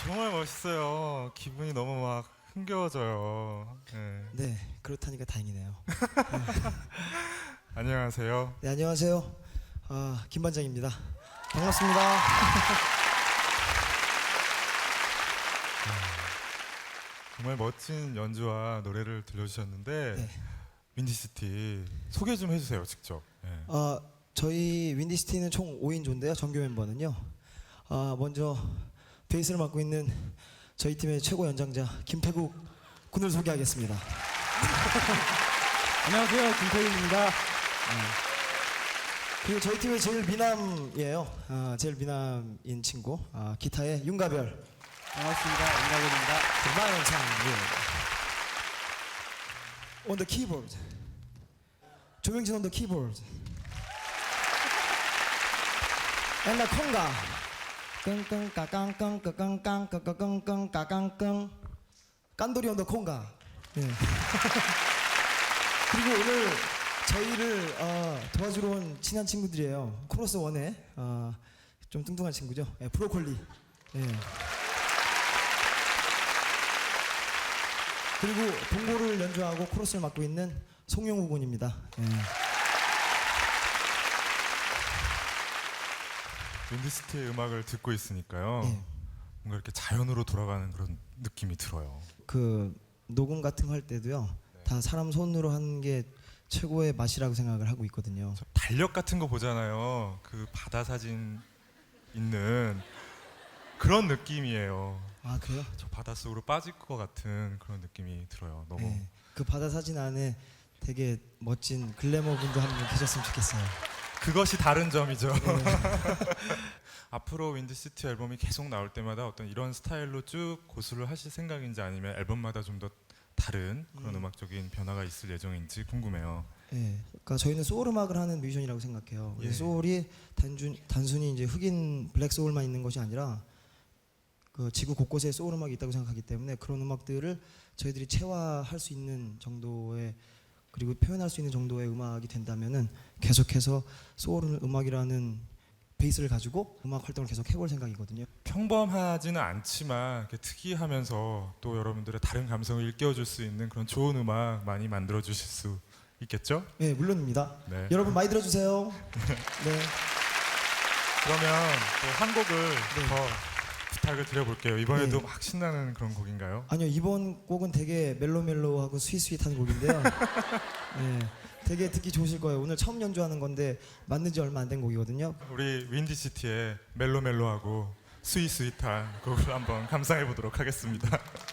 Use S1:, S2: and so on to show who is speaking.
S1: 정말 멋있어요. 기분이 너무 막 흥겨워져요. 네.
S2: 네, 그렇다니까 다행이네요.
S1: 안녕하세요.
S2: 네, 안녕하세요. 김 반장입니다. 반갑습니다.
S1: 정말 멋진 연주와 노래를 들려주셨는데
S2: 네.
S1: 윈디시티 소개 좀 해주세요, 직접. 네.
S2: 저희 윈디시티는 총 5인조인데요. 정규 멤버는요. 먼저 베이스를 맡고 있는 저희 팀의 최고 연장자 김태국 군을 소개하겠습니다.
S3: 안녕하세요, 김태윤입니다.
S2: 그리고 저희 팀의 제일 미남이에요. 제일 미남인 친구 기타의 윤가별.
S3: 반갑습니다, 윤가별입니다.
S2: 마연창. On the keyboard. 조명진 on the keyboard. And the conga. 끙끙까깡끙까깡깡까깡깡까깡 깐돌이 on the conga. 네. 그리고 오늘 저희를 도와주러 온 친한 친구들이에요. 코러스 원의 좀 뚱뚱한 친구죠. 네, 브로콜리. 네. 그리고 동고를 연주하고 코러스를 맡고 있는 송영우 군입니다. 네.
S1: 윈디시티의 음악을 듣고 있으니까요.
S2: 네.
S1: 뭔가 이렇게 자연으로 돌아가는 그런 느낌이 들어요.
S2: 그 녹음 같은 거 할 때도요. 다 사람 손으로 하는 게 최고의 맛이라고 생각을 하고 있거든요.
S1: 저 달력 같은 거 보잖아요. 그 바다 사진 있는 그런 느낌이에요.
S2: 아 그래요?
S1: 저 바닷속으로 빠질 것 같은 그런 느낌이 들어요. 너무.
S2: 네. 그 바다 사진 안에 되게 멋진 글래머 분도 한 분 계셨으면 좋겠어요.
S1: 그것이 다른 점이죠.
S2: 네.
S1: 앞으로 윈디시티 앨범이 계속 나올 때마다 어떤 이런 스타일로 쭉 고수를 하실 생각인지 아니면 앨범마다 좀 더 다른 그런 음악적인 변화가 있을 예정인지 궁금해요.
S2: 네. 그러니까 저희는 소울 음악을 하는 뮤지션이라고 생각해요.
S1: 예.
S2: 소울이 단순히 이제 흑인 블랙 소울만 있는 것이 아니라 그 지구 곳곳에 소울 음악이 있다고 생각하기 때문에 그런 음악들을 저희들이 체화할 수 있는 정도의 그리고 표현할 수 있는 정도의 음악이 된다면은 계속해서 소울 음악이라는 베이스를 가지고 음악 활동을 계속 해볼 생각이거든요.
S1: 평범하지는 않지만 이렇게 특이하면서 또 여러분들의 다른 감성을 일깨워줄 수 있는 그런 좋은 음악 많이 만들어 주실 수 있겠죠?
S2: 네, 물론입니다.
S1: 네.
S2: 여러분 많이 들어주세요. 네.
S1: 그러면 또 한 곡을
S2: 네.
S1: 더 부탁을 드려볼게요. 이번에도
S2: 네.
S1: 막 신나는 그런 곡인가요?
S2: 아니요, 이번 곡은 되게 멜로멜로하고 스윗스윗한 곡인데요. 네, 되게 듣기 좋으실 거예요. 오늘 처음 연주하는 건데 만든 지 얼마 안 된 곡이거든요.
S1: 우리 윈디시티의 멜로멜로하고 스윗스윗한 곡을 한번 감상해 보도록 하겠습니다.